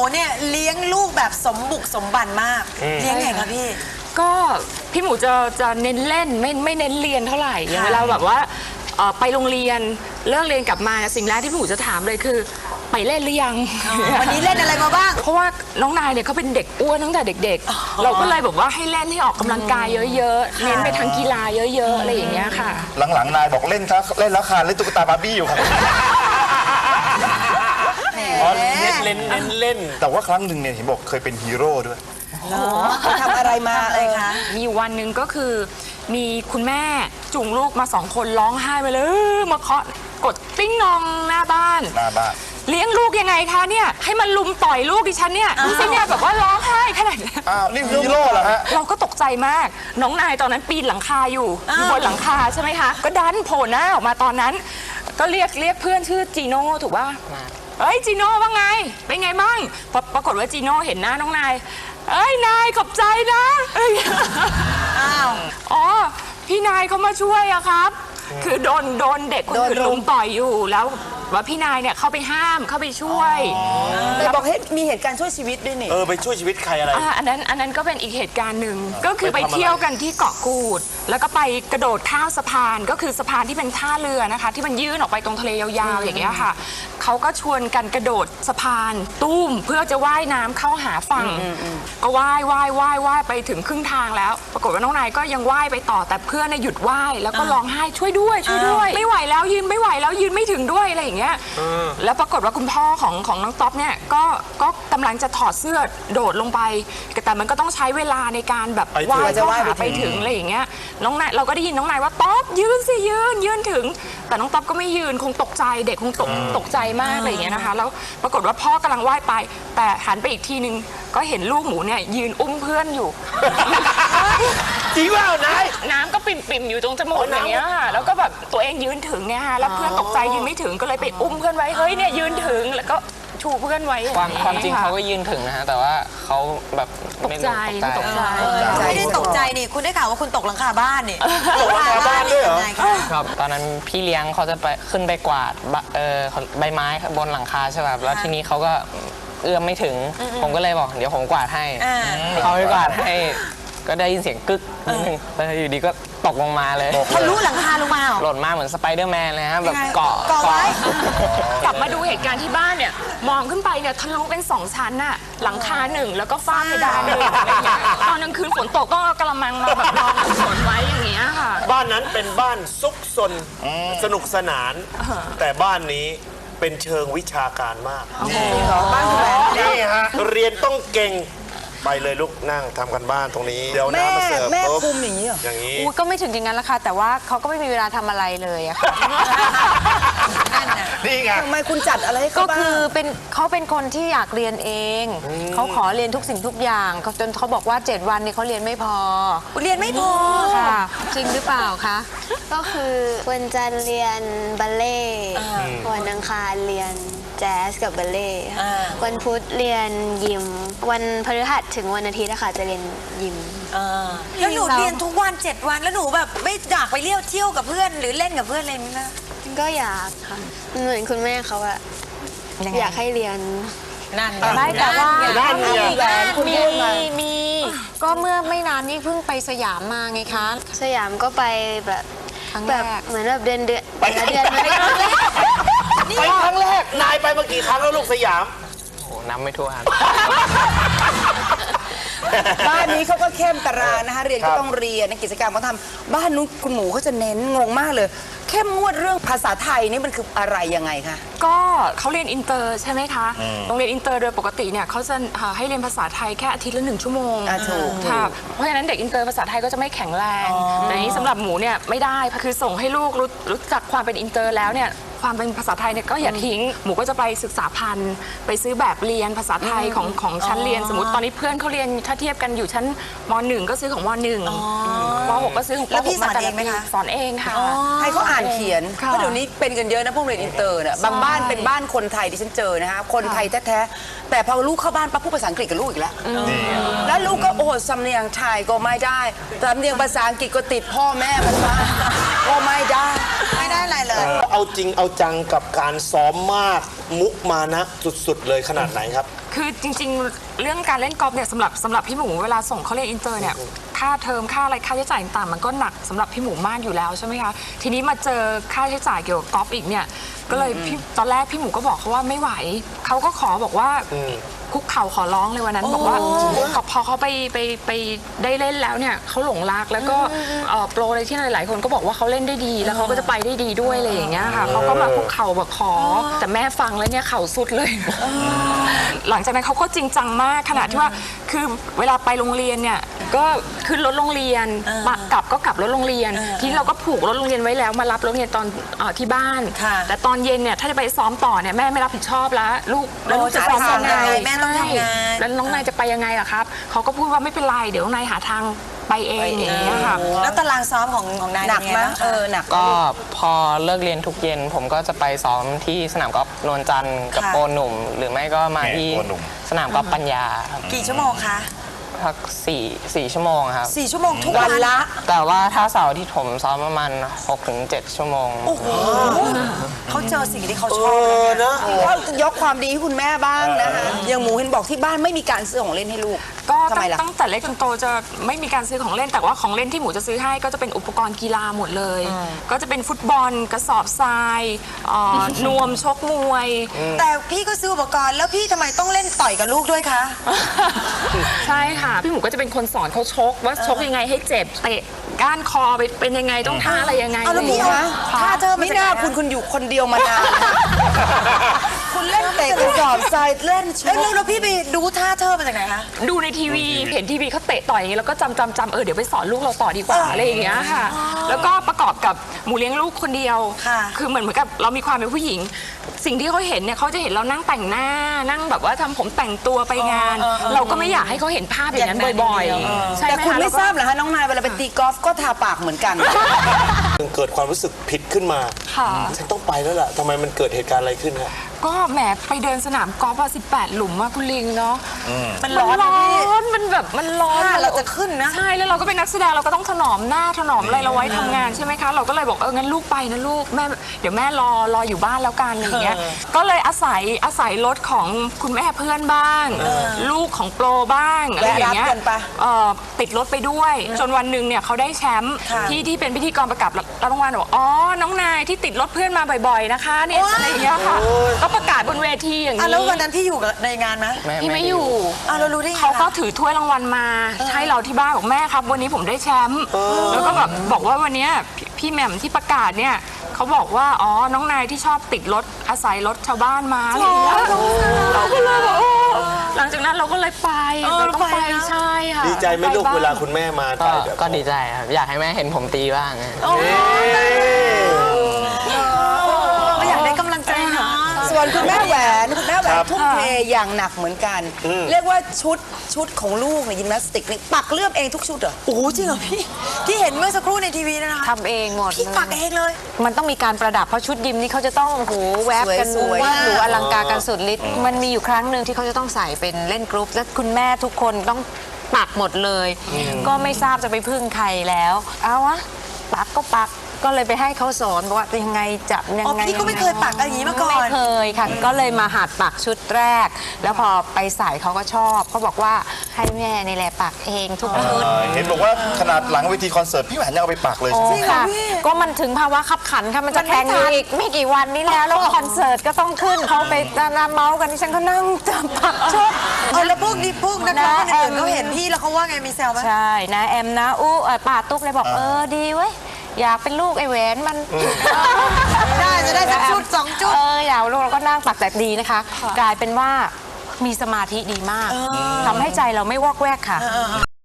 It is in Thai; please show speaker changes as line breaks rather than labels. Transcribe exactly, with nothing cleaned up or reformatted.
เนี่ยเลี้ยงลูกแบบสมบุกสมบันมากเลี้ยงไงคะพี่
ก็พี่หมูจะจะเน้นเล่นไม่ไม่เน้นเรียนเท่าไหร่อย่างเวลาแบบว่าไปโรงเรียนเลิกเรียนกลับมาสิ่งแรกที่พี่หมูจะถามเลยคือไปเล่นหรือยัง
วันนี้เล่นอะไรมาบ้าง
เพราะว่าน้องนายเนี่ยเขาเป็นเด็กอ้วนตั้งแต่เด็กๆเราก็เลยแบบว่าให้เล่นให้ออกกำลังกายเยอะๆเน้นไปทางกีฬาเยอะๆอะไรอย่างเงี้ยค่ะ
หลังๆนายบอกเล่นครับเล่นแล้วค่ะเล่นตุ๊กตาบาร์บี้อยู่ครับ
อ๋อเล่นเล่นเล่นเล่น
แต่ว่าครั้งหนึ่งเนี่ยเห็นบอกเคยเป็นฮีโร่ด้วย
ทำอะไรมาอะไรคะ
มีวันหนึ่งก็คือมีคุณแม่จุงลูกมาสองคนร้องไห้ไปเลยมาเคาะกดติ้งนองหน้าบ้าน
หน้าบ้าน
เลี้ยงลูกยังไงคะเนี่ยให้มันลุมต่อยลูกดิฉันเนี่ยดูสิเนี่ยแบบว่าร้องไห้ขนาดนี้
อ้าวนี่ฮีโร่เหรอฮะ
เราก็ตกใจมากน้องนายตอนนั้นปีนหลังคาอยู่อยู่บนหลังคาใช่ไหมคะก็ดันโผล่หน้าออกมาตอนนั้นก็เรียกเรียกเพื่อนชื่อจีโน่ถูกป่ะเอ้ยจีโน่ว่าไงเป็นไงมั่งพอปรากฏว่าจีโน่เห็นหน้าน้องนายเอ้ยนายขอบใจนะอ้าวอ๋อพี่นายเขามาช่วยอะครับคือโดนโดนเด็กคนอื่นลุมต่อยอยู่แล้วว่าพี่นายเนี่ยเข้าไปห้ามเข้าไปช่วย
แต่บอกให้มีเหตุการณ์ช่วยชีวิตด้วยนี่
เออไปช่วยชีวิตใครอะไร
อันนั้นอันนั้นก็เป็นอีกเหตุการณ์หนึ่งก็คือไปเที่ยวกันที่เกาะกูดแล้วก็ไปกระโดดข้ามสะพานก็คือสะพานที่เป็นท่าเรือนะคะที่มันยื่นออกไปตรงทะเลยาวๆอย่างเงี้ยค่ะเขาก็ชวนกันกระโดดสะพานตุ้มเพื่อจะว่ายน้ำเข้าหาฝั่งก็ว่ายว่ายว่ายว่ายไปถึงครึ่งทางแล้วปรากฏว่าน้องนายก็ยังว่ายไปต่อแต่เพื่อนหยุดว่ายแล้วก็ร้องไห้ช่วยด้วยช่วยด้วยไม่ไหวแล้วยืนไม่ไหวแล้วยืนไม่ถึงด้วยอะไรอย่างเงี้ยแล้วปรากฏว่าคุณพ่อของของน้องต๊อบเนี่ยก็ก็กำลังจะถอดเสื้อโดดลงไปแต่มันก็ต้องใช้เวลาในการแบบว่ายเข้าหาไปถึงอะไรอย่างเงี้ยน้องนายเราก็ได้ยินน้องนายว่าต๊อบยืนสิยืนยืนถึงแต่น้องต๊อบก็ไม่ยืนคงตกใจเด็กคงตกตกใจมากอะไรอย่างเงี้ยนะคะแล้วปรากฏว่าพ่อกำลังว่ายไปแต่หันไปอีกทีนึงก็เห็นลูกหมูเนี่ยยืนอุ้มเพื่อนอยู่
จริงเปล่านาย
น้ำก็ปิ่มๆอยู่ตรงจมูกอย่างเงี้ยค่ะแล้วก็แบบตัวเองยืนถึงเนี่ยค่ะแล้วเพื่อนตกใจยืนไม่ถึงก็เลยไปอุ้มเพื่อนไว้เฮ้ยเนี่ยยืนถึงแล้วก็ชูเพื่อนไว้
ความความจริงเขาก็ยืนถึงนะฮะแต่ว่าเขาแบบ
ตกใจตกใจ
ไม่ได้ตกใจนี่คุณได้ข่าวว่าคุณตกหลังคาบ้านนี่
ตกหลังคาบ้านด้วยเหรอ
ครับตอนนั้นพี่เลี้ยงเขาจะไปขึ้นไปกวาดเออใบไม้บนหลังคาใช่ป่ะแล้วทีนี้เขาก็เอื้อมไม่ถึงผมก็เลยบอกเดี๋ยวผมกวาดให้เขาไปกวาดให้ก็ได้ยินเสียงกึกนิดนึงแล้วอยู่ดีก็ตกลงมาเลย
ทะลุหลังคาลงมา
หล่นมาเหมือนสไปเดอร์แมนเลยฮะแบบเกาะ
เกาะไว้
กลับมาดูเหตุการณ์ที่บ้านเนี่ยมองขึ้นไปเนี่ยทะลุเป็นสองชั้นน่ะหลังคาหนึ่งแล้วก็ฝ้าเพดานหนึ่งอะไรอย่างเงี้ยตอนกลางคืนฝนตกก็กระมังมาแบบรองฝนไว้อย่างเงี้ยค่ะ
บ้านนั้นเป็นบ้านซุกซนสนุกสนานแต่บ้านนี้เป็นเชิงวิชาการมาก
บ้านคุณแม่
นี่ฮะเรียนต้องเก่งไปเลยลูกนั่งทำกันบ้านตรงนี้เดี๋ยวน้ำมาเสิร์ฟ
แม่คุมอย่างนี้เหรอ
อย่างนี้
ก็ไม่ถึงอย่างนั้นละค่ะแต่ว่าเขาก็ไม่มีเวลาทำอะไรเลยอะค่ะ
นี่ไง
ทำไมคุณจัดอะไรให้เขา
ก็คือเป็นเขาเป็นคนที่อยากเรียนเองเขาขอเรียนทุกสิ่งทุกอย่างจนเขาบอกว่าเจ็ดวันนี้เขาเรียนไม่พอ
เรียนไม่พอ
ค่ะจริงหรือเปล่าคะ
ก็คือวันจันทร์เรียนบัลเล่วันอังคารเรียนแจ๊สกับบัลเล่วันพุธเรียนยิมวันพฤหัสถึงวันอาทิตย์นะคะจะเรียนยิม
แล้วหนูเรียนทุกวันเจ็ดวันแล้วหนูแบบไม่อยากไปเที่ยวเที่ยวกับเพื่อนหรือเล่นกับเพื่อนอะไรมั้ยคะ
ก็อยากค่ะเหมือนคุณแม่เขาอะอยากให้เรียน
นั่น
ไม่แต่ว่า
มี
มีก็เมื่อไม่นานนี้เพิ่งไปสยามมาไงคะ
สยามก็ไปแบบแบบเหมือนแบบเดือนเดือน
ไปครั้งแรกไปครั้งแรกนายไปเมื่อกี่ครั้งแล้วลูกสยาม
โอ้นับไม่ถ้วน
บ้านนี้เขาก็เข้มตารางนะคะเรียนก็ต้องเรียนกิจกรรมเขาทำบ้านนู้นคุณหมูเขาจะเน้นงงมากเลยเข้มงวดเรื่องภาษาไทยนี่มันคืออะไรยังไงคะ
ก็เขาเรียนอินเตอร์ใช่ไหมคะโรงเรียนอินเตอร์โดยปกติเนี่ยเขาจะให้เรียนภาษาไทยแค่อาทิตย์ละหนึ่งชั่วโมงค่ะเพราะฉะนั้นเด็กอินเตอร์ภาษาไทยก็จะไม่แข็งแรงแต่นี้สำหรับหมูเนี่ยไม่ได้คือส่งให้ลูกรู้จักความเป็นอินเตอร์แล้วเนี่ยความเป็นภาษาไทยเนี่ยก็อย่าทิ้งหมูก็จะไปศึกษาพันธุ์ไปซื้อแบบเรียนภาษาไทยของของชั้นเรียนสมมติตอนนี้เพื่อนเขาเรียนถ้าเทียบกันอยู่ชั้นม.หนึ่งก็ซื้อของม.หนึ่งม.หกก็ซื้อของป.หกมาแต่ละปีสอนเองค่ะ
ให้เขาอ่านเขียนเพราะเดี๋ยวนี้เป็นกันเยอะนะพวกเรียนอินเตอร์เนี่ยบางบ้านเป็นบ้านคนไทยที่ฉันเจอนะคะคนไทยแท้ๆแต่พอลูกเข้าบ้านปั๊บพูดภาษาอังกฤษกับลูกอีกแล้วแล้วลูกก็โอ้สำเนียงไทยก็ไม่ได้สำเนียงภาษาอังกฤษก็ติดพ่อแม่มันบ้างก็ไม่ได้ไม่ได้อะไรเลย
เอาจริงเอาจังกับการซ้อมมากมุกมานะสุดๆเลยขนาดไหนครับ
คือจริงๆ เรื่องการเล่นกอล์ฟเนี่ยสำหรับสำหรับพี่หมูเวลาส่งเขาเรียนอินเตอร์เนี่ยค่าเทอมค่าอะไรค่าใช้จ่ายต่างๆมันก็หนักสำหรับพี่หมูมากอยู่แล้วใช่ไหมคะทีนี้มาเจอค่าใช้จ่ายเกี่ยวกับกอล์ฟอีกเนี่ยก็เลยพี่ตอนแรกพี่หมูก็บอกเขาว่าไม่ไหวเขาก็ขอบอกว่าคุกเข่าขอร้องเลยวันนั้นบอกว่าพอเขาไปไปไปได้เล่นแล้วเนี่ยเขาหลงรักแล้วก็เอ่อโปรอะไรที่หลายๆคนก็บอกว่าเขาเล่นได้ดีแล้วเขาก็จะไปได้ดีด้วยอะไรอย่างเงี้ยค่ะเขาก็มาคุกเข่าบอกขอแต่แม่ฟังแล้วเนี่ยเข่าสุดเลย หลังจากนั้นเขาก็จริงจังมากขนาดที่ว่าคือเวลาไปโรงเรียนเนี่ยก็ขึ้นรถโรงเรียนมากลับก็กลับรถโรงเรียนทีนี้เราก็ผูกรถโรงเรียนไว้แล้วมารับรถโรงเรียนตอนเอ่อที่บ้าน แต่ตอนเย็นเนี่ยถ้าจะไปซ้อมต่อเนี่ยแม่ไม่รับผิดชอบแล้วลูกแล้วลูกจะซ้อมยังไง
แม่ต้องทำงาน
แล้วน้องนายจะไปยังไงล่ะครับเขาก็พูดว่าไม่เป็นไรเดี๋ยวน้องนายหาทางไปเองอย่างเงี้ยค่ะ
แล้วตารางซ้อมของของนาย
หนัก
เป็นไง
มั้ย
บ้าง
เออหนัก
ก็พอเลิกเรียนทุกเย็น ผมก็จะไปซ้อมที่สนามกอล์ฟนวลจันทร์กับโปรหนุ่ม หรือไม่ก็มาที่
โปรหนุ่ม
สนามกอล์ฟปัญญาครับ
กี่ชั่วโมงคะ
พักสี่สี่ชั่วโมงครับ
สี่ชั่วโมงทุก
วั
วัน น
ละ
แต่ว่าถ้าเสาร์ที่ผมซ้อมประมาณหกถึงเจ็ดชั่วโมง
เขาเจอสิ่งที่เขา
เอ
ชอบ
อนะ
ก็ยกความดีให้คุณแม่บ้างนะคะอย่างหมูเห็นบอกที่บ้านไม่มีการซื้อของเล่นให้ลูก
ก็
ทำไมล่ะ
ตั้งแต่เล็กจนโตจะไม่มีการซื้อของเล่นแต่ว่าของเล่นที่หมูจะซื้อให้ก็จะเป็นอุปกรณ์กีฬาหมดเลย ก็จะเป็นฟุตบอลกระสอบทรายเอ่อนวมชกมวย
แต่พี่ก็ซื้ออุปกรณ์แล้วพี่ทำไมต้องเล่นต่อยกับลูกด้วยคะ
ใช่ค่ะ พี่หมูก็จะเป็นคนสอนเขาชกว่าชกยังไงให้เจ็บเตะก้านคอไปเป็นยังไงต้องท่าอะไรยังไง
เอาแล้ว
อะไร
พี่
อย่าง
เอา
เงี้ย
ท่าเธอ
ไม่น่าคุณคุณอยู่คนเดียวมานาน คุณเล่นเตะกระสอบทรายเล่นช
แล้ว
ก
แล้วพี่ไปดูท่าเธอมาจากไหนคะ
ดูในทีวีเห็นทีวีเขาเตะต่อยอย่างนี้แล้วก็จำจำจำเออเดี๋ยวไปสอนลูกเราต่อดีกว่าอะไรอย่างเงี้ยค่ะ แล้วก็ประกอบกับหมูเลี้ยงลูกคนเดียว
ค่ะ
คือเหมือนเหมือนกับเรามีความเป็นผู้หญิง สิ่งที่เขาเห็นเนี่ยเขาจะเห็นเรานั่งแต่งหน้านั่งแบบว่าทำผมแต่งตัวไปงาน เราก็ไม่อยากให้เขาเห็นภาพอย่างนั้นบ่อยๆใช่ไหม
แต่คุณ
คะ
ไม่
แล้วก็
ทราบเหรอคะน้องนายเวลาไปตีกอล์ฟก็ทาปากเหมือนกัน
เกิดความรู้สึกผิดขึ้นมา
ค่ะ
ฉันต้องไปแล้วล่ะทำไมมันเกิดเหตุการณ์อะไรขึ้นฮะ
ก็แหมไปเดินสนามกอล์ฟอะสิบแปดหลุมอะคุณลิงเนาะ
มัน
มัน
ร้อน
ร้
นะพี่
อนมันแบบมันร้อน
ถ้าเราจะขึ้นนะ
ใช่แล้วเราก็เป็นนักแสดงเราก็ต้องถนอมหน้าถนอมอะไรเราไว้ทำงานใช่ไหมคะ เราก็เลยบอกเอองั้นลูกไปนะลูกแม่เดี๋ยวแม่รอรออยู่บ้านแล้วกันอะไรอย่างเงี้ยก็เลยอาศัยอาศัยรถของคุณแม่เพื่อนบ้างลูกของโปรบ้างอะไรอย่างเงี้ย
แวะรับกันปะ
เอ่อติดรถไปด้วย จนวันหนึ่งเนี่ยเขาได้แชมป์ที่ที่เป็นพิธีกรประกาศรับรางวัลบอกอ๋อน้องนายที่ติดรถเพื่อนมาบ่อยๆนะคะเนี่ยอะไรอย่างเงี้ยค่ะก็ประกาศบนเวทีอย่าง
อ่ะ
นี้
แล้ววันนั้นพี่อยู่กับในงานไหม
พี่ไม่อยู่
อ่ะเรารู้ได้ไง
เขาก็
คะ
ถือถ้วยรางวัลมาให้เราที่บ้านบอกแม่ครับ วันนี้ผมได้แชมป์แล้วก็แบบบอกว่าวันเนี้ยพี่พี่แหม่มที่ประกาศเนี่ยเขาบอกว่าอ๋อน้องนายที่ชอบติดรถอาศัยรถชาวบ้านมาอะไรอย่างเงี้ยเราก็เลยบอกโอ้หลังจากนั้นเราก็เลยไปเราต้องไปใช่ค่ะ
ดีใจไหมลูก
ปบ้ง
เวลาคุณแม่มา
ก็
ถ่ายแบบ
ก็ดีใจครับ อยากให้แม่เห็นผมตีบ้างนะ
ไม่อยากได้กำลังใจเนาะ
ส่วนคุณแม่แหวนคุณแม่แหวนทุ่มเทอย่างหนักเหมือนกัน เรียกว่าชุดชุดของลูกเนี่ยยิมนาสติกนี่ปักเลือกเองทุกชุดเหรอ
โอ้โหจริงเหรอพี่ ที่เห็นเมื่อสักครู่ในทีวีนะคะ
ทำเองหมด
พี่ปักเองเลย
มันต้องมีการประดับเพราะชุดยิมนี่เขาจะต้องโอ้โหแวบกัน
สวยๆ
ว่าหรูอลังการกันสุดฤทธิ์มันมีอยู่ครั้งหนึ่งที่เขาจะต้องใส่เป็นเล่นกรุ๊ปและคุณแม่ทุกคนต้องปักหมดเลย ก็ไม่ทราบจะไปพึ่งใครแล้วเอาวะปักก็ปักก็เลยไปให้เขาสอนว่ายังไงจับยัง
อ๋อ
ไง
พี่ก็ไม่เคยปักอะไรอย่างนี้มาก่อน
ไม่เคยค่ะ ก็เลยมาหัดปักชุดแรก แล้วพอไปใส่เขาก็ชอบเขาบอกว่าให้แม่นี่แหละปักเองทุกชุด
เห็นบอกว่าขนาดหลังเวทีคอนเสิร์ตพี่แหวนยังเอาไปปักเลย
โอ้
ใช่ไหม
ค่ะ ก็มันถึงภาวะขับขันค่ะ มันจะแข่งอีกไม่กี่วันนี้แล้ว แล้วคอนเสิร์ตก็ต้องขึ้นเขาไปนาเมาส์กันที่ฉันก็นั่งจับปักชุด
เออแล้วพวกนี้พวกนักร้องคนอื่นเขาเห็นพี่แล้วเขาว่าไงมีแซวไหม
ใช่นะแอมนะอู้เอ่อป้าตุ๊กเลยบอกเออดีเว้ยอยากเป็นลูกไอ้แหวนมัน
ได้จะได้สักชุดสองชุด
เอออยากลูกเราก็นั่งปักแต่ดีนะคะ กลายเป็นว่ามีสมาธิดีมากทำให้ใจเราไม่วอกแวกค่ะ